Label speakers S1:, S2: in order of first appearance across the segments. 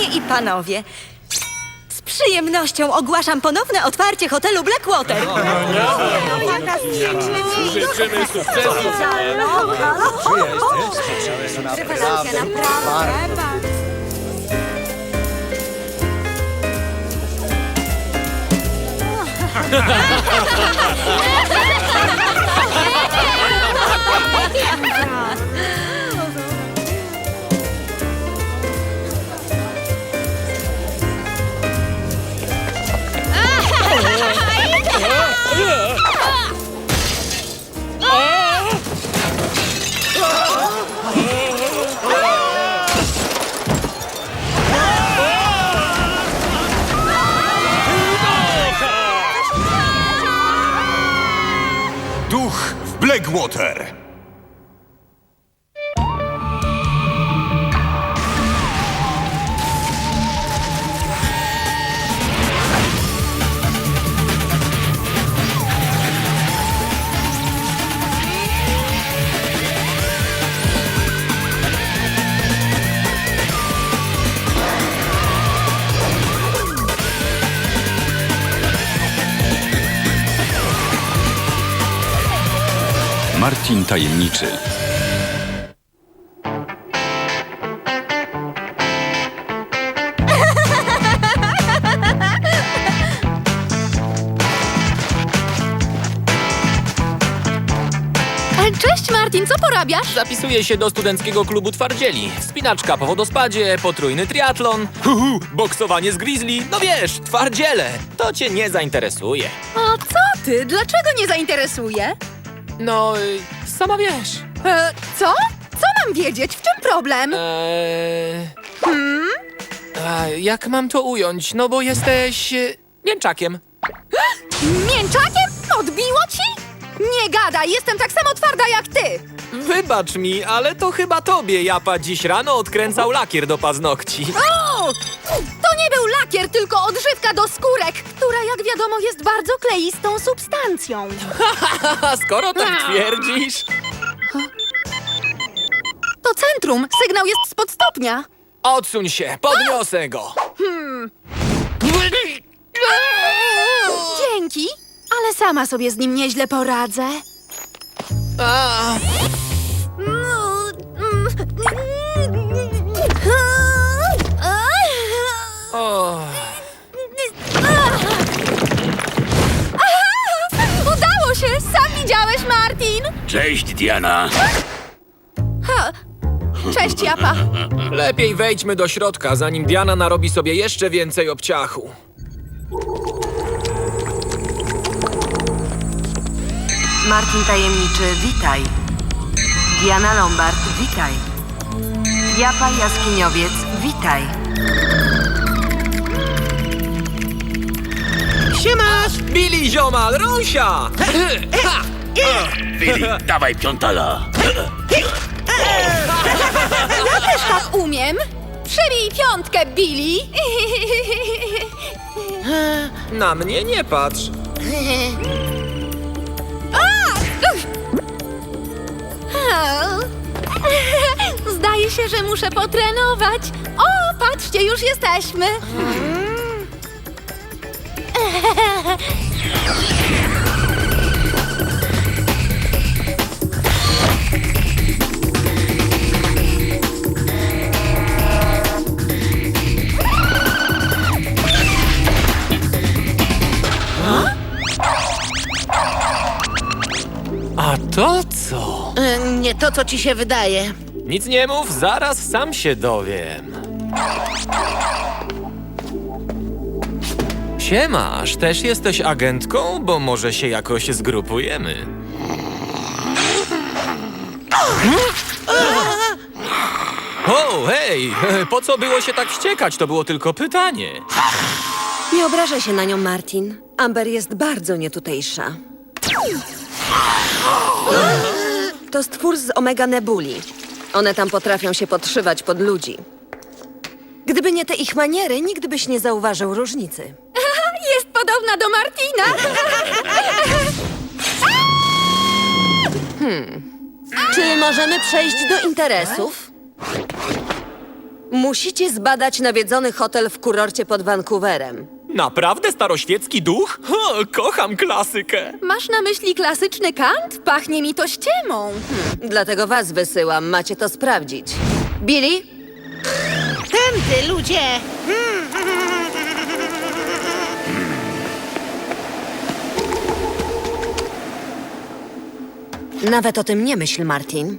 S1: i panowie, z przyjemnością ogłaszam ponowne otwarcie hotelu Blackwater.
S2: Życzymy sukcesu!
S1: Rewelacja, naprawdę.
S3: Duch w Blackwater.
S4: Martin Tajemniczy.
S5: Cześć Martin, co porabiasz?
S2: Zapisuję się do studenckiego klubu twardzieli. Wspinaczka po wodospadzie, potrójny triatlon, boksowanie z grizzly. No wiesz, twardziele. To cię nie zainteresuje.
S5: A co ty? Dlaczego nie zainteresuje?
S2: No, sama wiesz.
S5: Co? Co mam wiedzieć? W czym problem?
S2: Jak mam to ująć? No bo jesteś... mięczakiem.
S5: Mięczakiem? Odbiło ci? Nie gadaj, jestem tak samo twarda jak ty!
S2: Wybacz mi, ale to chyba tobie Japa dziś rano odkręcał lakier do paznokci.
S5: O! To nie był lakier, tylko odżywka do skórek, która jak wiadomo jest bardzo kleistą substancją.
S2: A skoro tak twierdzisz...
S5: To centrum, sygnał jest spod stopnia.
S2: Odsuń się, podniosę go.
S5: Dzięki, ale sama sobie z nim nieźle poradzę.
S2: A, o.
S5: Udało się! Sam widziałeś, Martin!
S6: Cześć, Diana.
S5: Cześć, Japa.
S2: Lepiej wejdźmy do środka, zanim Diana narobi sobie jeszcze więcej obciachu.
S7: Martin Tajemniczy, witaj. Diana Lombard, witaj. Japa Jaskiniowiec, witaj.
S2: Billy ziomal, Rąsia!
S6: Billy, dawaj piątala.
S5: Też tak umiem. Przybij piątkę, Billy.
S2: Na mnie nie patrz.
S5: Zdaje się, że muszę potrenować. O, patrzcie, już jesteśmy.
S2: A to co?
S8: Nie to, co ci się wydaje.
S2: Nic nie mów, zaraz sam się dowiem. Siemasz, też jesteś agentką? Bo może się jakoś zgrupujemy. O, hej! Po co było się tak wściekać? To było tylko pytanie.
S1: Nie obrażaj się na nią, Martin. Amber jest bardzo nietutejsza. To stwór z Omega Nebuli. One tam potrafią się podszywać pod ludzi. Gdyby nie te ich maniery, nikt byś nie zauważył różnicy.
S5: Jest podobna do Martina.
S1: Czy możemy przejść do interesów? Musicie zbadać nawiedzony hotel w kurorcie pod Vancouverem.
S2: Naprawdę staroświecki duch? Kocham klasykę.
S5: Masz na myśli klasyczny kant? Pachnie mi to ściemą.
S1: Dlatego was wysyłam, macie to sprawdzić. Billy?
S8: Tędy, ludzie!
S1: Nawet o tym nie myśl, Martin.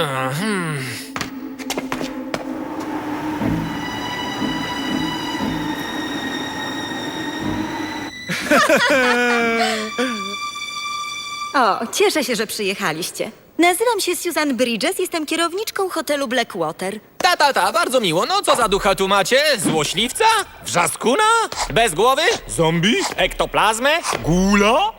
S9: O, cieszę się, że przyjechaliście. Nazywam się Susan Bridges, jestem kierowniczką hotelu Blackwater.
S2: Bardzo miło. No co za ducha tu macie? Złośliwca? Wrzaskuna? Bez głowy? Zombie? Ektoplazmę? Gula?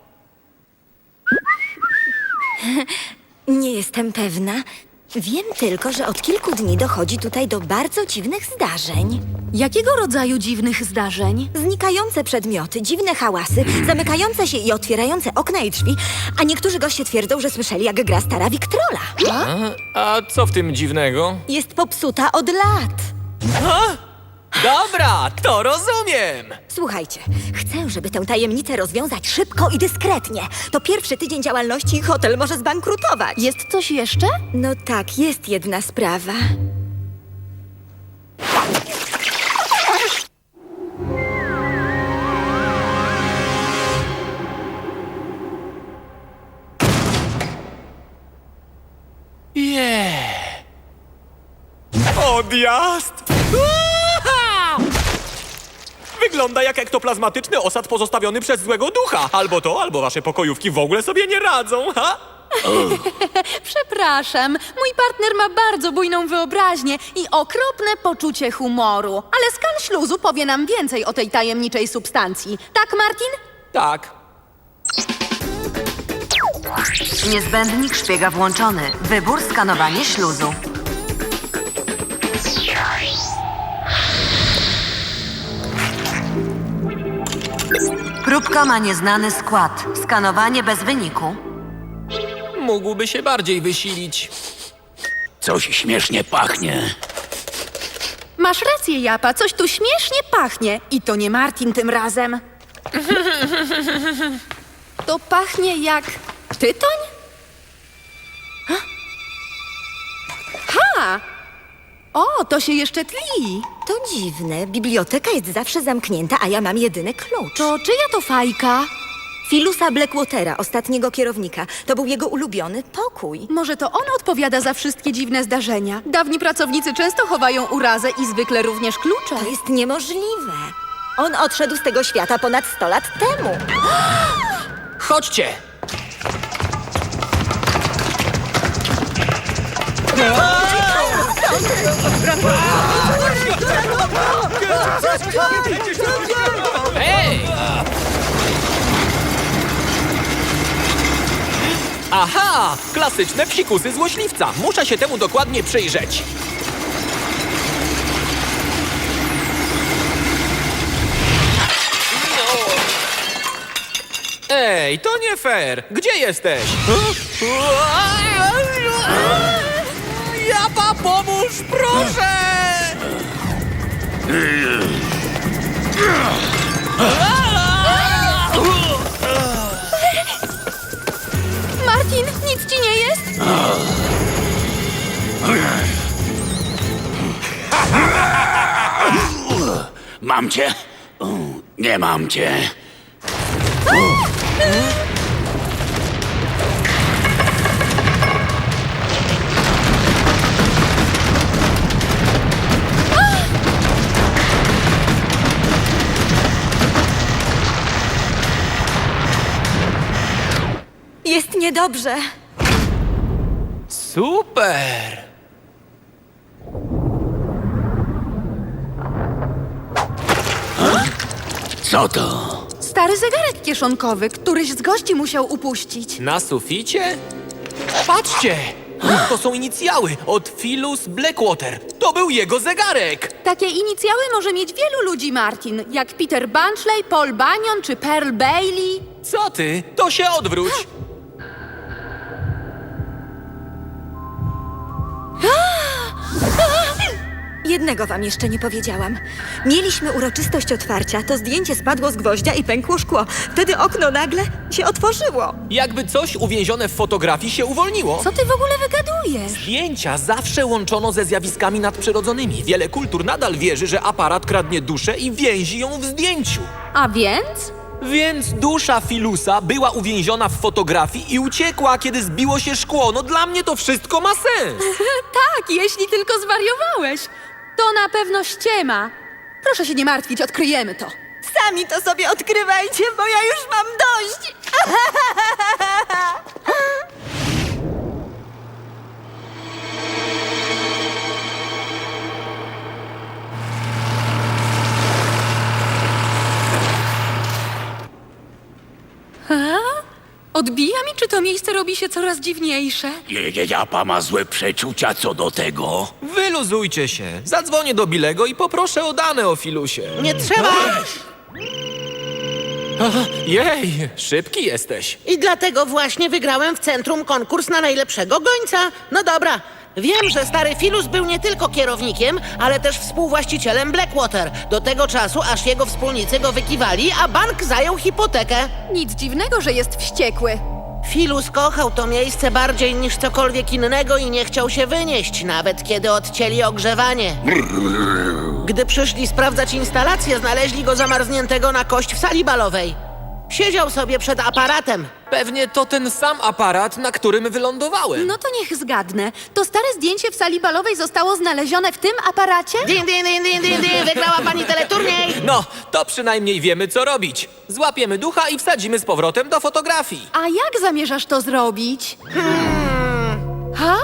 S9: Nie jestem pewna. Wiem tylko, że od kilku dni dochodzi tutaj do bardzo dziwnych zdarzeń.
S5: Jakiego rodzaju dziwnych zdarzeń?
S9: Znikające przedmioty, dziwne hałasy, zamykające się i otwierające okna i drzwi, a niektórzy goście twierdzą, że słyszeli, jak gra stara Wiktrola.
S2: A co w tym dziwnego?
S9: Jest popsuta od lat.
S2: Dobra, to rozumiem.
S9: Słuchajcie, chcę, żeby tę tajemnicę rozwiązać szybko i dyskretnie. To pierwszy tydzień działalności i hotel może zbankrutować.
S5: Jest coś jeszcze?
S9: No tak, jest jedna sprawa.
S2: Odjazd! Uha! Wygląda jak ektoplazmatyczny osad pozostawiony przez złego ducha. Albo to, albo wasze pokojówki w ogóle sobie nie radzą, ha?
S5: Przepraszam, mój partner ma bardzo bujną wyobraźnię i okropne poczucie humoru. Ale skan śluzu powie nam więcej o tej tajemniczej substancji. Tak, Martin?
S2: Tak.
S7: Niezbędnik szpiega włączony. Wybór skanowanie śluzu. Próbka ma nieznany skład. Skanowanie bez wyniku.
S2: Mógłby się bardziej wysilić.
S6: Coś śmiesznie pachnie.
S5: Masz rację, Japa, coś tu śmiesznie pachnie. I to nie Martin tym razem. To pachnie jak tytoń? Ha! O, to się jeszcze tli.
S9: To dziwne. Biblioteka jest zawsze zamknięta, a ja mam jedyny klucz.
S5: To czyja to fajka?
S9: Philusa Blackwatera, ostatniego kierownika. To był jego ulubiony pokój.
S5: Może to on odpowiada za wszystkie dziwne zdarzenia. Dawni pracownicy często chowają urazę i zwykle również klucze.
S9: To jest niemożliwe. On odszedł z tego świata ponad 100 lat temu.
S2: Chodźcie! Hej! Aha! Klasyczne psikusy złośliwca. Muszę się temu dokładnie przyjrzeć. Ej, to nie fair! Gdzie jesteś? Japa, pomóż, proszę!
S5: Martin, nic ci nie jest?
S6: Mam cię? Nie mam cię.
S9: Jest niedobrze.
S2: Super!
S6: Co to?
S5: Stary zegarek kieszonkowy, któryś z gości musiał upuścić.
S2: Na suficie? Patrzcie! To są inicjały od Philus Blackwater. To był jego zegarek!
S5: Takie inicjały może mieć wielu ludzi, Martin. Jak Peter Bunchley, Paul Bunyan czy Pearl Bailey.
S2: Co ty? To się odwróć!
S9: jednego wam jeszcze nie powiedziałam. Mieliśmy uroczystość otwarcia, to zdjęcie spadło z gwoździa i pękło szkło. Wtedy okno nagle się otworzyło.
S2: Jakby coś uwięzione w fotografii się uwolniło.
S5: Co ty w ogóle wygadujesz?
S2: Zdjęcia zawsze łączono ze zjawiskami nadprzyrodzonymi. Wiele kultur nadal wierzy, że aparat kradnie duszę i więzi ją w zdjęciu.
S5: A więc?
S2: Więc dusza Filusa była uwięziona w fotografii i uciekła, kiedy zbiło się szkło. No dla mnie to wszystko ma sens.
S5: Tak, jeśli tylko zwariowałeś. To na pewno ściema. Proszę się nie martwić, odkryjemy to.
S9: Sami to sobie odkrywajcie, bo ja już mam dość.
S5: Odbija mi, czy to miejsce robi się coraz dziwniejsze?
S6: Japa ma złe przeczucia co do tego.
S2: Wyluzujcie się. Zadzwonię do Bilego i poproszę o dane o Filusie.
S8: Nie trzeba!
S2: Jej, szybki jesteś.
S8: I dlatego właśnie wygrałem w centrum konkurs na najlepszego gońca. No dobra, wiem, że stary Filus był nie tylko kierownikiem, ale też współwłaścicielem Blackwater. Do tego czasu, aż jego wspólnicy go wykiwali, a bank zajął hipotekę.
S5: Nic dziwnego, że jest wściekły.
S8: Filus kochał to miejsce bardziej niż cokolwiek innego i nie chciał się wynieść, nawet kiedy odcięli ogrzewanie. Gdy przyszli sprawdzać instalację, znaleźli go zamarzniętego na kość w sali balowej. Siedział sobie przed aparatem.
S2: Pewnie to ten sam aparat, na którym wylądowałem.
S5: No to niech zgadnę. To stare zdjęcie w sali balowej zostało znalezione w tym aparacie?
S8: Din, din, din, din, din, din. Wygrała pani teleturniej!
S2: No, to przynajmniej wiemy, co robić. Złapiemy ducha i wsadzimy z powrotem do fotografii.
S5: A jak zamierzasz to zrobić? Ha?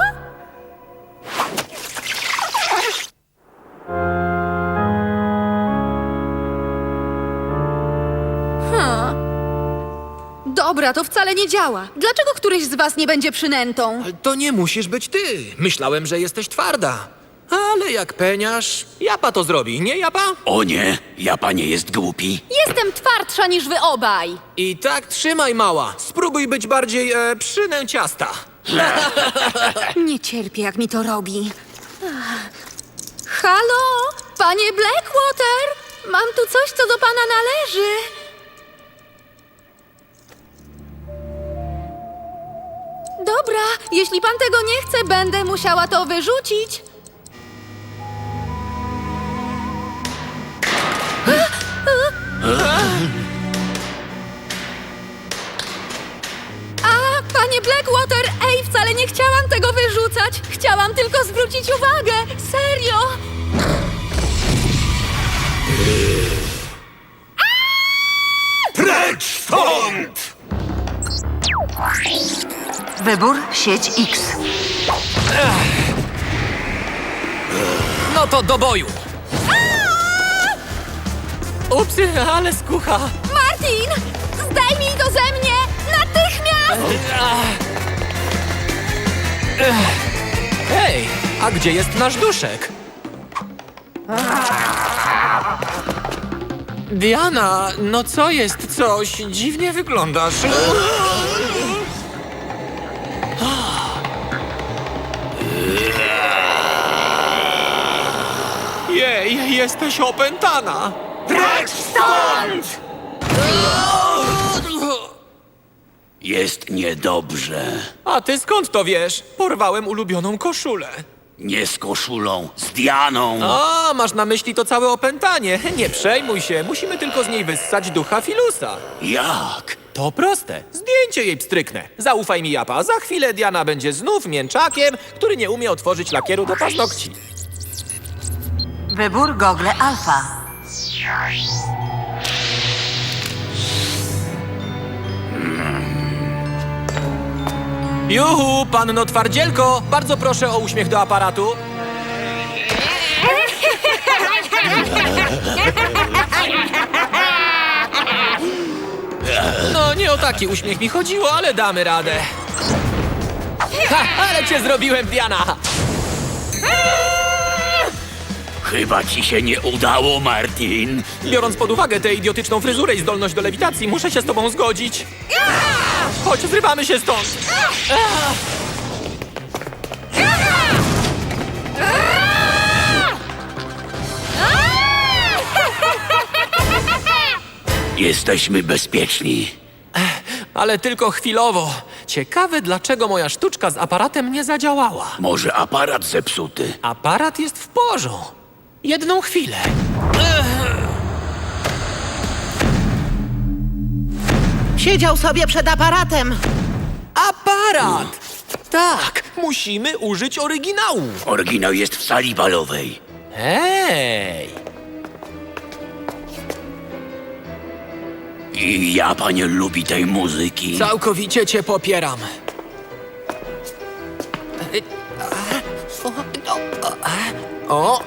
S5: Dobra, to wcale nie działa. Dlaczego któryś z was nie będzie przynętą?
S2: To nie musisz być ty. Myślałem, że jesteś twarda. Ale jak peniasz, Japa to zrobi, nie Japa?
S6: O nie, Japa nie jest głupi.
S5: Jestem twardsza niż wy obaj.
S2: I tak trzymaj, mała. Spróbuj być bardziej przynęciasta.
S5: Nie cierpię, jak mi to robi. Halo, panie Blackwater? Mam tu coś, co do pana należy. Dobra, jeśli pan tego nie chce, będę musiała to wyrzucić. A, panie Blackwater, ej, wcale nie chciałam tego wyrzucać. Chciałam tylko zwrócić uwagę. Serio.
S3: Precz stąd!
S7: Wybór sieć X.
S2: No to do boju. Upsy, ale skucha.
S5: Martin, zdejmij to ze mnie! Natychmiast!
S2: Hej, a gdzie jest nasz duszek? Diana, no co jest? Coś dziwnie wyglądasz. Jej, jesteś opętana.
S3: Precz stąd!
S6: Jest niedobrze.
S2: A ty skąd to wiesz? Porwałem ulubioną koszulę.
S6: Nie z koszulą, z Dianą.
S2: A, masz na myśli to całe opętanie. Nie przejmuj się, musimy tylko z niej wyssać ducha Filusa.
S6: Jak?
S2: To proste. Zdjęcie jej pstryknę. Zaufaj mi, Japa. Za chwilę Diana będzie znów mięczakiem, który nie umie otworzyć lakieru do paznokci.
S7: Wybór gogle alfa.
S2: Juhu, panno twardzielko! Bardzo proszę o uśmiech do aparatu. No, nie o taki uśmiech mi chodziło, ale damy radę. Ha, ale cię zrobiłem, Diana!
S6: Chyba ci się nie udało, Martin.
S2: Biorąc pod uwagę tę idiotyczną fryzurę i zdolność do lewitacji, muszę się z tobą zgodzić. Chodź, zrywamy się stąd.
S6: Jesteśmy bezpieczni.
S2: Ale tylko chwilowo. Ciekawe, dlaczego moja sztuczka z aparatem nie zadziałała.
S6: Może aparat zepsuty.
S2: Aparat jest w porządku. Jedną chwilę.
S8: Siedział sobie przed aparatem.
S2: Aparat! Tak, musimy użyć oryginału.
S6: Oryginał jest w sali balowej.
S2: Hej!
S6: I Japa nie lubi tej muzyki.
S2: Całkowicie cię popieram. O!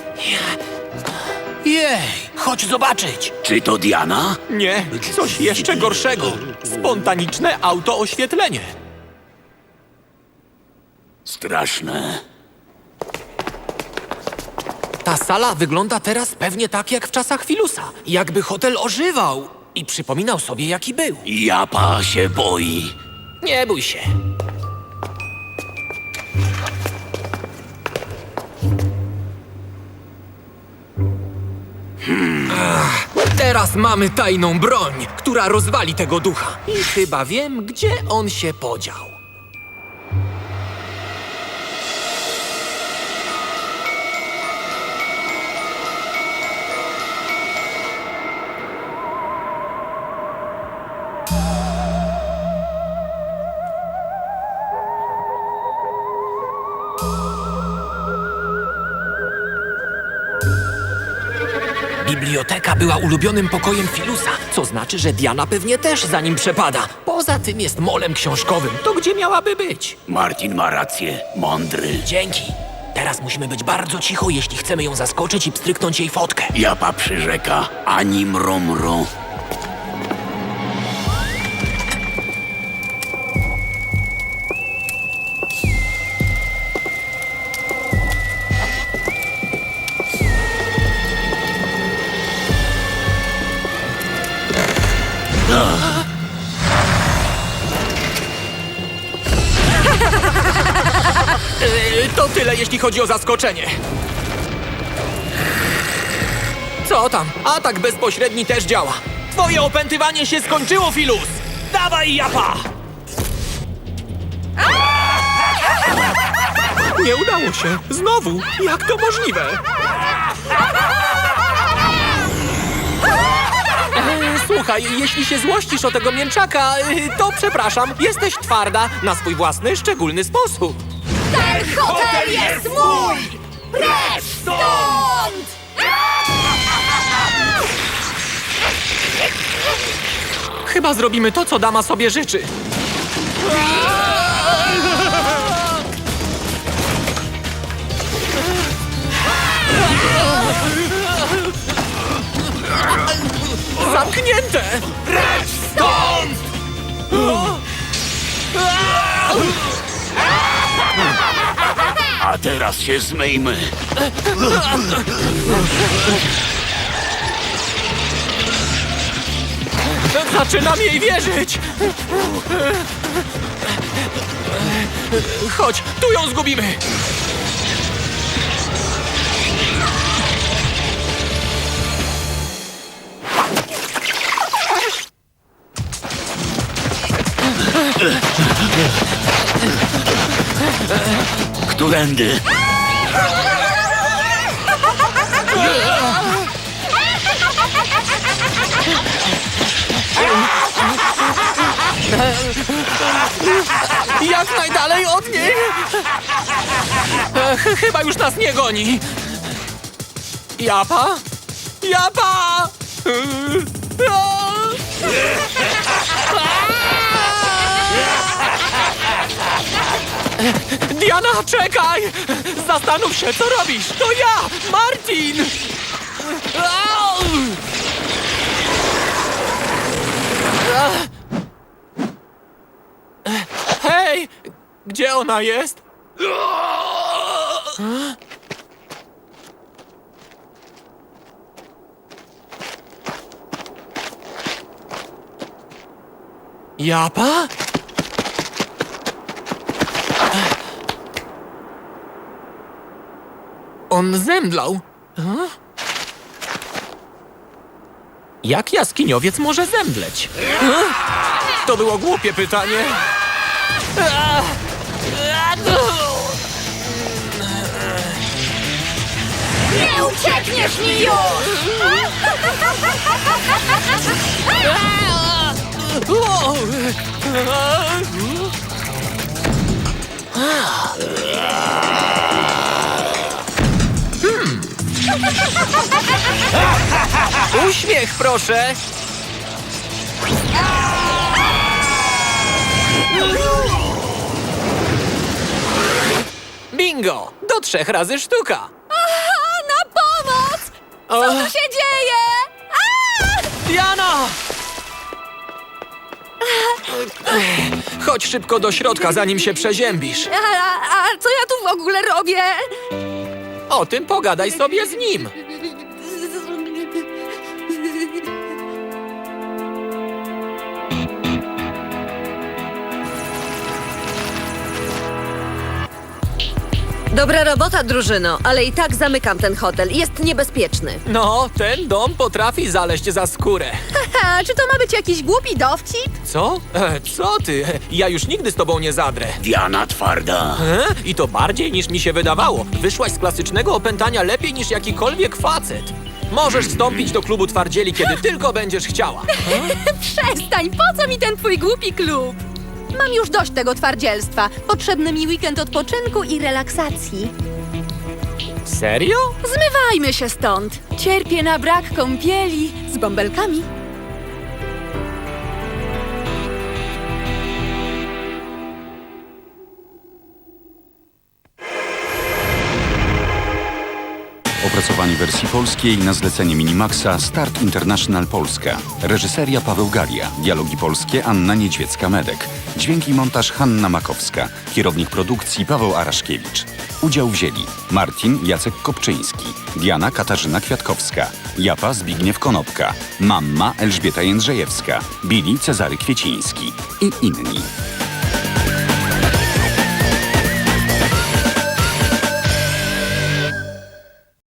S2: Jej, chodź zobaczyć.
S6: Czy to Diana?
S2: Nie, coś jeszcze gorszego. Spontaniczne autooświetlenie.
S6: Straszne.
S2: Ta sala wygląda teraz pewnie tak jak w czasach Filusa. Jakby hotel ożywał i przypominał sobie, jaki był.
S6: Japa się boi.
S2: Nie bój się. Teraz mamy tajną broń, która rozwali tego ducha. I chyba wiem, gdzie on się podział. Biblioteka była ulubionym pokojem Filusa, co znaczy, że Diana pewnie też za nim przepada. Poza tym jest molem książkowym. To gdzie miałaby być?
S6: Martin ma rację. Mądry.
S2: Dzięki. Teraz musimy być bardzo cicho, jeśli chcemy ją zaskoczyć i pstryknąć jej fotkę.
S6: Japa przyrzeka. Ani mromro.
S2: To tyle, jeśli chodzi o zaskoczenie. Co tam? Atak bezpośredni też działa. Twoje opętywanie się skończyło, Filus! Dawaj, Japa! Nie udało się. Znowu. Jak to możliwe? Słuchaj, jeśli się złościsz o tego mięczaka, to przepraszam. Jesteś twarda na swój własny, szczególny sposób.
S5: Ten hotel jest mój! Precz stąd!
S2: Chyba zrobimy to, co dama sobie życzy. Zamknięte!
S3: Precz stąd!
S6: A teraz się zmyjmy.
S2: Zaczynam jej wierzyć! Chodź, tu ją zgubimy!
S6: Którędy?
S2: Jak najdalej od niej! Chyba już nas nie goni. Japa? Japa! Diana, czekaj! Zastanów się, co robisz! To ja, Martin! Hej! Gdzie ona jest? Japa? On zemdlał. Jak jaskiniowiec może zemdleć? To było głupie pytanie.
S5: Nie uciekniesz mi już!
S2: Uśmiech, proszę! Bingo! Do 3 razy sztuka!
S5: Na pomoc! Co tu się dzieje?
S2: Diana! Chodź szybko do środka, zanim się przeziębisz.
S5: A co ja tu w ogóle robię?
S2: O tym pogadaj sobie z nim.
S1: Dobra robota, drużyno, ale i tak zamykam ten hotel. Jest niebezpieczny.
S2: No, ten dom potrafi zaleźć za skórę.
S5: Haha, czy to ma być jakiś głupi dowcip?
S2: Co? Co ty? Ja już nigdy z tobą nie zadrę.
S6: Diana twarda.
S2: I to bardziej niż mi się wydawało. Wyszłaś z klasycznego opętania lepiej niż jakikolwiek facet. Możesz wstąpić do klubu twardzieli, kiedy tylko będziesz chciała.
S5: Przestań, po co mi ten twój głupi klub? Mam już dość tego twardzielstwa. Potrzebny mi weekend odpoczynku i relaksacji.
S2: Serio?
S5: Zmywajmy się stąd. Cierpię na brak kąpieli z bąbelkami.
S4: Opracowanie wersji polskiej na zlecenie Minimaxa Start International Polska. Reżyseria Paweł Galia. Dialogi polskie Anna Niedźwiecka-Medek. Dźwięk i montaż Hanna Makowska. Kierownik produkcji Paweł Araszkiewicz. Udział wzięli Martin Jacek Kopczyński, Diana Katarzyna Kwiatkowska, Japa Zbigniew Konopka, Mamma Elżbieta Jędrzejewska, Billy Cezary Kwieciński i inni.